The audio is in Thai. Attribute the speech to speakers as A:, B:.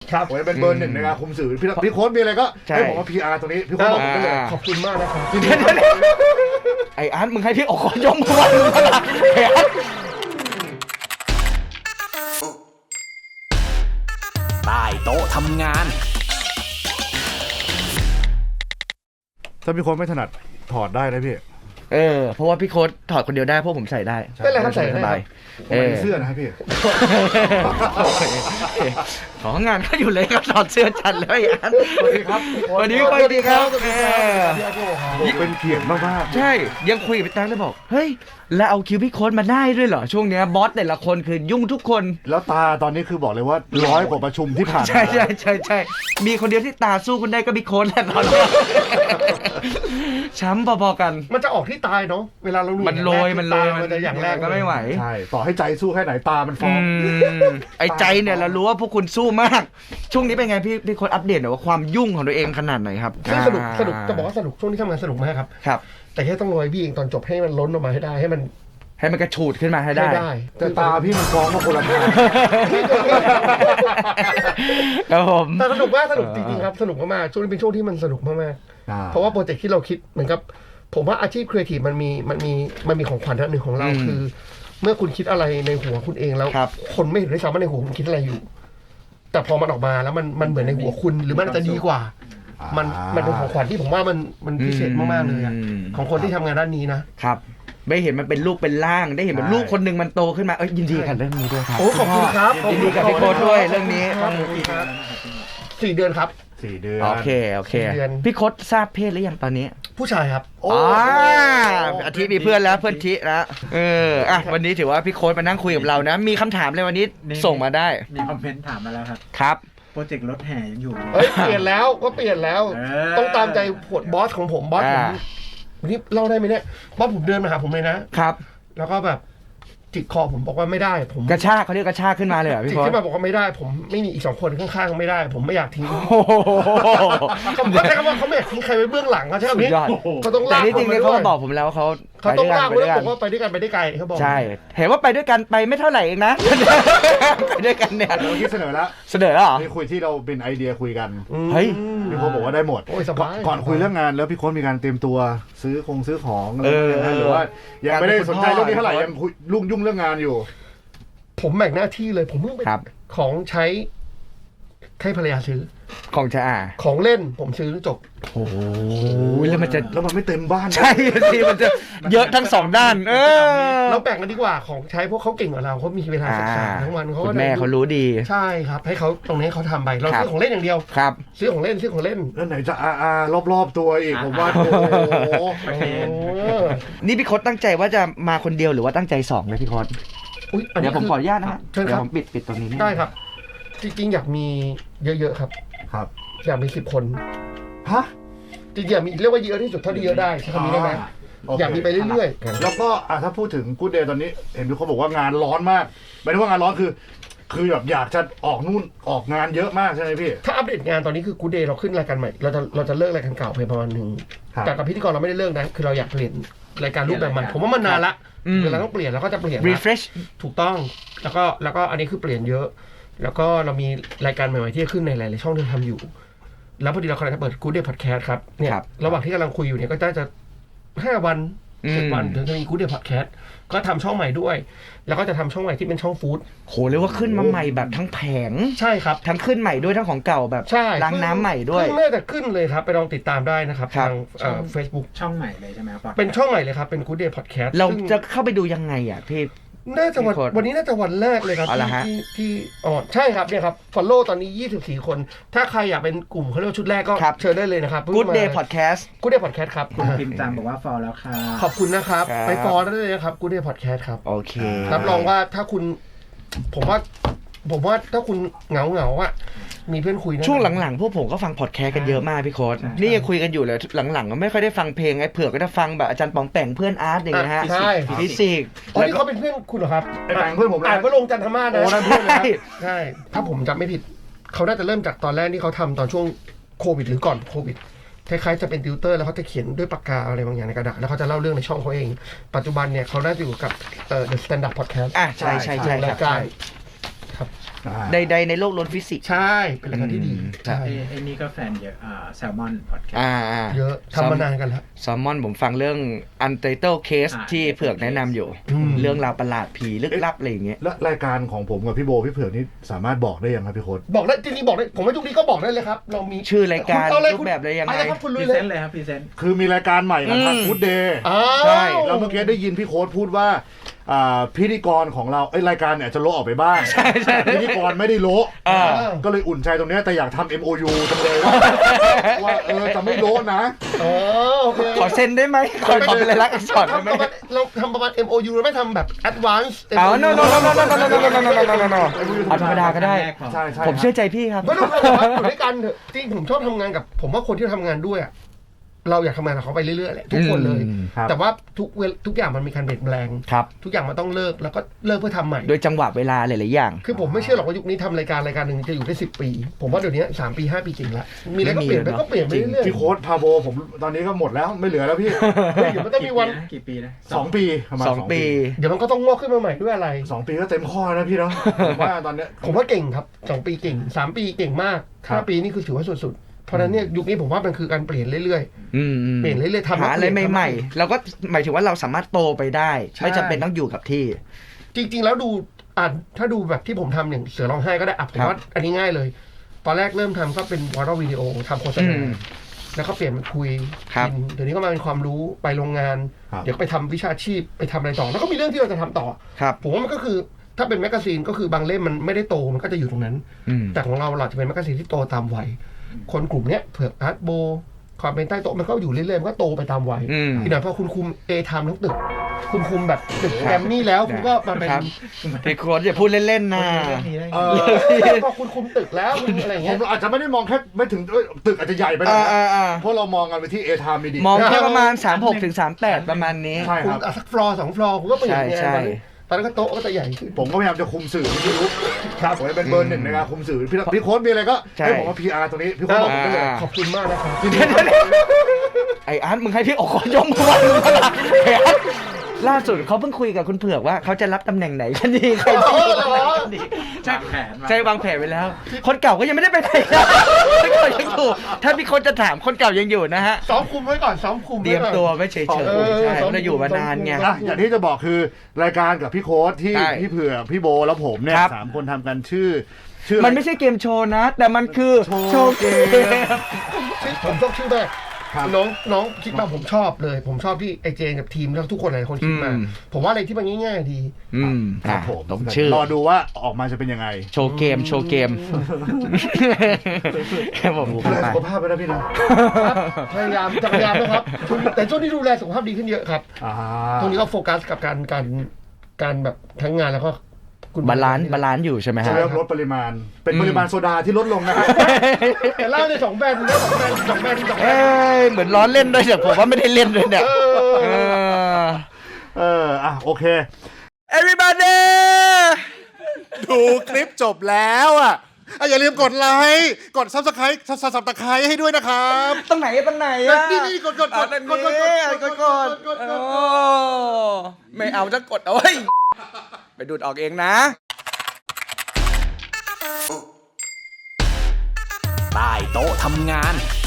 A: ครับ
B: โอ้ยเป็นเบอร์หนึ่งในการคุมสื่อพี่โค้ชมีอะไรก็ให้ผมว่า PR ตรงนี้พี่โค้ชบอกผมได้เลย
A: ขอบคุณมากนะครับ
C: ไอ้อาร์ตมึงให้พี่ออกยกมือไหว้มึงละไอ้อาร์ต
D: ใต้โต๊ะทำงาน
B: ถ้าพี่โค้ชไม่ถนัดถอดได้นะพี่
C: เพราะว่าพี่โค้ดถอดคนเดียวได้เพราะผมใส่ได้
A: เป็นไรครับใส่ได้
B: เสื้อนะครับพี่
C: ของานก็อยู่เลยครับถอดเสื้อจัดเลยอัน
B: สวัสดีครับ
C: สวัสดีพี่โค้ดดีครับ
B: เป็นเกียรติมาก
C: ๆใช่ยังคุยกับพี่ตั้งเลยบอกเฮ้ยแล้วเอาคิวพี่โค้ดมาได้ด้วยเหรอช่วงนี้บอสแต่ละคนคือยุ่งทุกคน
B: แล้วตาตอนนี้คือบอกเลยว่า100 กว่าประชุมที่ผ่าน
C: ใช่มีคนเดียวที่ตาสู้คุณได้ก็พี่โค้ดแหละตอนนี้ช้ำพอๆกัน
A: มันจะออกที่ตายเนาะเวลาเรา
C: มันโรยมัน
A: จะอย่างแรก
C: ก็ไม่ไหว
B: ใช่ต่อให้ใจสู้แค่ไหนตามันฟ้อง
C: ไอ้ใจเนี่ยเรารู้ว่าพวกคุณสู้มากช่วงนี้เป็นไงพี่โค้ดอัปเดตหน่อยว่าความยุ่งของตัวเองขนาดไหนครับ
A: สนุกจะบอกว่าสนุกช่วงนี้ทำงานสนุกมากครับแต่แค่ต้องรอพี่เองตอนจบให้มันล้นออกมาให้ได้ให้มัน
C: กระฉูดขึ้นมาให้ได้
B: แต่ตาพี่มันฟ้องมาคนละทาง
C: ครับผม
A: แต่สนุกมากสนุกจริงๆครับสนุกมากๆช่วงนี้เป็นช่วงที่มันสนุกมากๆเพราะว่าโปรเจกต์ที่เราคิดเหมือนกับผมว่าอาชีพครีเอทีฟมันมีของขวัญอันหนึ่งของเราคือเมื่อคุณคิดอะไรในหัวคุณเองแล้วคนไม่เห็นด้วยซ้ำว่าในหัวคุณคิดอะไรอยู่แต่พอมันออกมาแล้วมันเหมือนในหัวคุณหรือมันจะดีกว่ามันเป็นของขวัญที่ผมว่ามันพิเศษมากๆเลยของคนที่ทำงานด้านนี้นะครับ
C: ได้เห็นมันเป็นลูกเป็นร่างได้เห็นมันลูกคนหนึ่งมันโตขึ้นมายินดีกับเรื่องนี้ด้วยครับ
A: โอ้ขอบคุณครับ
C: ยินดีกับพี่โค้ดด้วยเรื่องนี้
A: 4 เดือนครับ
B: 4 เดือน
C: โอเคพี่โค้ดทราบเพศหรือยังตอนนี้
A: ผู้ชายครับ
C: อาทิตย์มีเพื่อนแล้วเพื่อนทินะวันนี้ถือว่าพี่โค้ดมานั่งคุยกับเรานะมีคำถามเลยวันนี้ส่งมาได้
E: มีคอมเมนต์ถามมาแล้ว
C: ครับ
E: โปรเจกต์รถแห่ยังอยู่
A: เปลี่ยนแล้วต้องตามใจบอสของผมบอสผมวันนี้เล่าได้ไหมเนี่ยบอสผมเดินมาหาผมเลยนะครับแล้วก็แบบจิกคอผมบอกว่าไม่ได้ผม
C: กระชากเขาเรียกกระชากขึ้นมาเลยเหรอพี่
A: จิกขึ้นมาบอกว่าไม่ได้ผมไม่มีอีก2 คนข้างๆไม่ได้ผมไม่อยากทิ้งเขาใช้คำว่าเขาไม่อยากทิ้งใครไว้เบื้องหลังเขาใช่ไหมเขาต้องลาก
C: แต่นี่จริงๆเขาบอกผมแล้วเขา
A: ต้องลากไว้แล้วบอกว่าไปด้วยกันไปได้ไกลเขาบอก
C: ใช่เห็นว่าไปด้วยกันไปไม่เท่าไหร่เองนะไปด้วยกันเนี่ย
B: เราที่เสนอแล้วนี่คุยที่เราเป็นไอเดียคุยกัน
C: เฮ้ย
B: พี่โค้ชบอกว่าได้หมดก่อนคุยเรื่องงานแล้วพี่โค้ชมีการเตรียมตัวซื้อของหรือว่ายังไม่ได้สนใจเรื่องนี้เท่าไหร่ยังยุ่งเรื่องงานอยู่
A: ผมแบ่งหน้าที่เลยผมเพิ่งไปของใช้ให้ภรรยาซื้อ
C: ของใช้
A: ของเล่นผมซื้อจบ
C: โอ้ยแล้ว
B: มันไม่เต็มบ้าน
C: ใช่สิมันจะเยอะทั้ง2 ด้าน
A: เราแบ่งกันดีกว่าของใช้พวกเขาเก่งกว่าเราเขามีเวลาศึกษาทั้งวันเขา
C: แม่เขารู้ดี
A: ใช่ครับให้เขาตรงนี้เขาทำไปเราซื้อของเล่นอย่างเดียว
C: ครับ
A: ซื้อของเล่น
B: แล้วไหนจะรอบตัวอีกผมว่าโอ้
C: นี่พี่โค้ดตั้งใจว่าจะมาคนเดียวหรือว่าตั้งใจ2เลยพี่โค้ดเดี๋ยวผมขออนุญาตนะฮะเดี๋ยวผมปิดตรงนี้
A: ได้ครับจริงๆอยากมีเยอะๆครับอยากมี10 คนจริงๆอยากมีเรียกว่าเยอะที่สุดเท่าที่เยอะได้ใช่คำนี้ได้ไหมอยากมีไปเรื่อย
B: ๆแล้วก็ถ้าพูดถึงกู๊ดเดย์ตอนนี้เห็นพี่เขาบอกว่างานร้อนมากไม่ได้ว่างานร้อนคือแบบอยากจะออกงานเยอะมากใช่ไหมพี่
A: ถ้าอัปเดตงานตอนนี้คือกู๊ดเดย์เราขึ้นรายการใหม่เราจะเลิกรายการเก่าไปประมาณนึงแต่กับพิธีกรเราไม่ได้เลิกนะคือเราอยากเปลี่ยนรายการรูปแบบใหม่ผมว่ามันนานละเวลาต้องเปลี่ยนแล้วก็จะเปลี่ยน
C: refresh
A: ถูกต้องแล้วก็อันนี้คือเปลี่ยนเยอะแล้วก็เรามีรายการใหม่ๆที่จะขึ้นในหลายๆช่องที่ทำอยู่แล้วพอดีเรากำลังจะเปิด Good Day Podcast ครับเนี่ยระหว่างที่กำลังคุยอยู่เนี่ยก็จะ5 วัน 7 วันถึงจะมี Good Day Podcast ก็ทำช่องใหม่ด้วยแล้วก็จะทำช่องใหม่ที่เป็นช่องฟู้ด
C: โหเรียกว่าขึ้นมาใหม่แบบทั้งแผง
A: ใช่ครับ
C: ทั้งขึ้นใหม่ด้วยทั้งของเก่าแบบล้างน้ำใหม่ด้วย
A: น่าจะขึ้นเลยครับไปลองติดตามได้นะครับทางFacebook
E: ช่องใหม่เลยใช่ไหมครับ
A: เป็นช่องใหม่เลยครับเป็น Good Day Podcast
C: เราจะเข้าไปดูยังไงพี่
A: น่าจะวันนี้น่าจะวันแรกเลยครับที่ใช่ครับเนี่ยครับ follow ตอนนี้24 คนถ้าใครอยากเป็นกลุ่มเขาเรียกชุดแรกก็เชิญได้เลยนะครับ
C: Good Day Podcast
A: Good Day Podcast ครับ
E: คุณพิมพ์จำบอกว่า follow แล้วค่ะ
A: ขอบคุณนะครับไป follow ได้เลยนะครับ Good Day Podcast ครับ
C: โอเค
A: รับรองว่าถ้าคุณผมว่าถ้าคุณเหงาอ่ะมีเพื่อนคุยนะ
C: ช่วงหลังๆพวกผมก็ฟังพอดแคสต์กันเยอะมากพี่โค้ดนี่ยังคุยกันอยู่เลยหลังๆก็ไม่ค่อยได้ฟังเพลงไอ้เผือกก็จะฟังแบบอาจารย์ป๋องแป่งเพื่อนอาร์ตอย่างเงี้ยฮะฟิสิกส์
A: นี่เขาเป็นเพื่อนคุณเหรอครับ
B: แป่งเพื่อนผม
A: อ่านว่าลงจันทมาศนะโอ้นั่นเพื่อนเลยใช่ถ้าผมจำไม่ผิดเขาน่าจะเริ่มจากตอนแรกที่เขาทำตอนช่วงโควิดหรือก่อนโควิดคล้ายๆจะเป็นติวเตอร์แล้วเขาจะเขียนด้วยปากกาอะไรบางอย่างในกระดาษแล้วเขาจะเล่าเรื่องในช่องเขาเองปัจจุบันเนี่ยเขาได้อยู่กับThe Standard Podcast
C: ใช่รายการ
A: ครับ
C: ใดๆในโลกล้วนฟิสิกส์
A: ใช่เป็นรายการที่ดี
C: ใช่
E: ไอ้นี่ก็แฟนเยอะแซลมอนพอดแคสต์
A: เยอะทำมานานกันแล้ว
C: แซลมอนผมฟังเรื่อง Untitled Case ที่เผือกแนะนำอยู่ เรื่องราวประหลาดผีลึกลับอะไรอย่างเงี้ย
B: และรายการของผมกับพี่โบพี่เผือกนี่สามารถบอกได้ยังครับพี่โค้ด
A: บอกได้จริงๆบอกได้ผมว่ายุคนี้ก็บอกได้เลยครับเรามี
C: ชื่อรายการ
A: คุณเอเลย
C: รูปแบบอะไรยังไง
A: อะไรครับคุณ
E: พ
A: ลุ
E: รี
A: ยเล
E: เซ
A: ย
E: นต์เลยครับพรีเซนต์
B: คือมีรายการใหม่กับทางฟู้ดเดย์
C: ใช่
B: แล้วเมื่อกี้ได้ยินพี่โค้ดพูดว่าพิธีกรของเรารายการเนี่ยจะโละออกไปบ้างพิธีกรไม่ได้โละก็เลยอุ่นใจตรงเนี้ยแต่อยากทำ MOU จังเลยว่าจะไม่โละนะ
A: โอเค
C: ขอเซ็นได้ไหมขอเป็นลายลักษณ์อักษรได้ไหม
A: เราทำประมาณ MOU เราไม่ทำแบบ advance
C: เอา no เอาธรรมดาก็ได้
B: ใช่ใช่
C: ผมเชื่อใจพี่ครับ
A: ไม่ต้องทำครับอยู่ด้วยกันเถอะจริงผมชอบทำงานกับผมว่าคนที่ทำงานด้วยอะเราอยากทำงานกับเขาไปเรื่อยๆแหละทุกคนเลย แต่ว่าทุกอย่างมันมีการเปลี่ยนแปลง
C: ครับ
A: ทุกอย่างมันต้องเลิกแล้วก็เลิกเพื่อทำใหม่
C: โดยจังหวะเวลาหลายๆอย่าง
A: คือผมไม่เชื่อหรอกว่ายุคนี้ทำรายการหนึ่งจะอยู่ได้10 ปี ผมว่าเดี๋ยวนี้3 ปี 5 ปีจริงละมีอะไรก็เปลี่ยนไปก็เปลี่ยนไปเรื่อย
B: พี่โค้ดพาโบผมตอนนี้ก็หมดแล้วไม่เหลือแล้วพี่
A: ๆเฮ้ยเดี๋ยวมันต้องมีวัน
E: กี่ปีนะ
B: 2 ปีประมาณ
C: 2 ปี
A: เดี๋ยวมันก็ต้องงอกขึ้นมาใหม่ด้วยอะไร
B: 2 ปีก็เต็มข้อแล้วพี่เนาะผมว่าตอนเนี้ย
A: ผมว่าเก่งครับ2 ปีเก่ง3 ปีเก่งมาก
B: ครับ
A: 5 ปีนี่คือถือว่าสุดๆเพราะฉะนั้นเนี่ยยุคนี้ผมว่ามันคือการเปลี่ยนเรื่อย เปลี่ยนเรื่อยๆทำ
C: หาอะไรใหม่ๆเราก็หมายถึงว่าเราสามารถโตไปได้ ไม่จำเป็นต้องอยู่กับที่
A: ๆจริงๆแล้วดูถ้าดูแบบที่ผมทำอย่างเสือร้องไห้ก็ได้ผมว่าอันนี้ง่ายเลย ตอนแรกเริ่มทำก็เป็นวอร์วิดีโอทำโฆษณาแล้วก็เปลี่ยนมาคุย
C: ครับ
A: เดี๋ยวนี้ก็มาเป็นความรู้ไปโรงงาน
B: ครับ
A: เดี๋ยวไปทำวิชาชีพไปทำอะไรต่อ แล้วก็มีเรื่องที่เราจะทำต่อ
C: ครับ
A: ผมว่ามันก็คือถ้าเป็นแมกกาซีนก็คือบางเล่มมันไม่ได้โตมันก็จะอยู่ตรงนั้น แต่ของเราจะเป็นแมกกาซีนที่โตตามวัยคนกลุ่มเนี้ยเผือกอาร์ตโบความเป็นใต้โต๊ะมันก็อยู่เรื่อยๆมันก็โตไปตามวัยอีกหน่อยพอคุณคุมเอทามทั้งตึกคุณคุมแบบตึกแกรมมี่แล้วคุณก็มาเป็น
C: พี่โค้ดอย่าพูดเล่นๆนะ
E: เรื่องนี้ได้ไง
A: พอคุณคุมตึกแล้วคุณอะไรอย่าง
B: ผ
A: เงี้
B: ม
A: ย
B: อาจจะไม่ได้มองแค่ไม่ถึงตึกอาจจะใหญ่ไปหน่อยนะเพราะเรามองกันไปที่เอทามมีดี
C: มองแค่ประมาณ 36 ถึง 38 ประมาณนี้
B: ใช่
A: คุ
B: ค
A: ม
B: รับ
A: สักฟลอร์2 ฟลอร์คุณก็เปลี่ยนไง
C: ใช่
A: ตอนนั้นก็โต๊ะก็จะใหญ่ขึ้น
B: ผมก็พยายามจะคุมสื่อที่รู้ครับผมเป็นเบอร์ 1ในการคุมสื่อพี่โค้ดมีอะไรก็
C: ใช่
B: ให้ผมว่า PR ตรงนี้พี่โค้ดบอกผมได้เลย
A: ขอบคุณมากนะครับ
C: ไอ้อาร์ตมึงให้พี่โอ๋ยกมือไหว้มึงละไอ้อาร์ตล่าสุดเขาเพิ่งคุยกับคุณเผือกว่าเขาจะรับตำแหน่งไหนกันดีใครดีใช่
E: วางแผน
C: ใช่วางแผนไว้แล้ว คนเก่าก็ยังไม่ได้ไปไหนนะคนเก่ายังอยู่ถ้าพี่คนจะถามคนเก่ายังอยู่นะฮะ
A: ซ้อมคุมไว้ก่อนซ้อมคุม
C: เตรียมตัวไว้เฉยๆใช่เราอยู่มานานไง
B: อย่างที่จะบอกคือรายการกับพี่โค้ดที่
C: ใช่
B: พี่เผือกพี่โบแล้วผมเนี่ย
C: ครับ
B: 3 คนทำกันชื่อ
C: มันไม่ใช่เกมโชว์นะ แต่มันคือ
B: โชว์เกม
A: ผมชอบชื่อมาก
B: ครับ
A: น้องคิดมาผมชอบเลย ผมชอบที่ไอเจนกับทีมแล้วทุกคนหลายคนคิดมา ผมว่าอะไรที่มันง่ายๆดี
B: ครับผม
C: ต้องชื่อ
B: รอดูว่าออกมาจะเป็นยังไง
C: โชว์เกมแค่ผม
B: ดู
C: พูด
B: แล
C: ไป
B: สุขภาพไปนะพี่นะ
A: พยายามนะครับแต่ช่วงนี้ดูแลสุขภาพดีขึ้นเยอะครับตรงนี้ก็โฟกัสกับการแบบทั้งงานแล้วก็คุณ
C: บาลานซ์อยู่ใช่ไหมฮะ
B: จะเริ่มลดปริมาณ เป็นปริมาณโซดาที่ลดลงนะฮะ
A: แต่เล่าใน2 แบรนด์นะ2 แบรนด์
C: เอ้ยเหมือนล้อเล่นด้วยแต่ผมว่าไม่ได้เล่นด้วยเนี่ย
B: โอเค
C: everybody
B: ดูคลิปจบแล้วอย่าลืมกดไลค์กด Subscribe ให้ด้วยนะครับ
C: ตรงไหนอะ
B: นี่กด
C: ไม่เอาจะกดเอาไว้ไปดูดออกเองนะ
D: ใต้โต๊ะทำงาน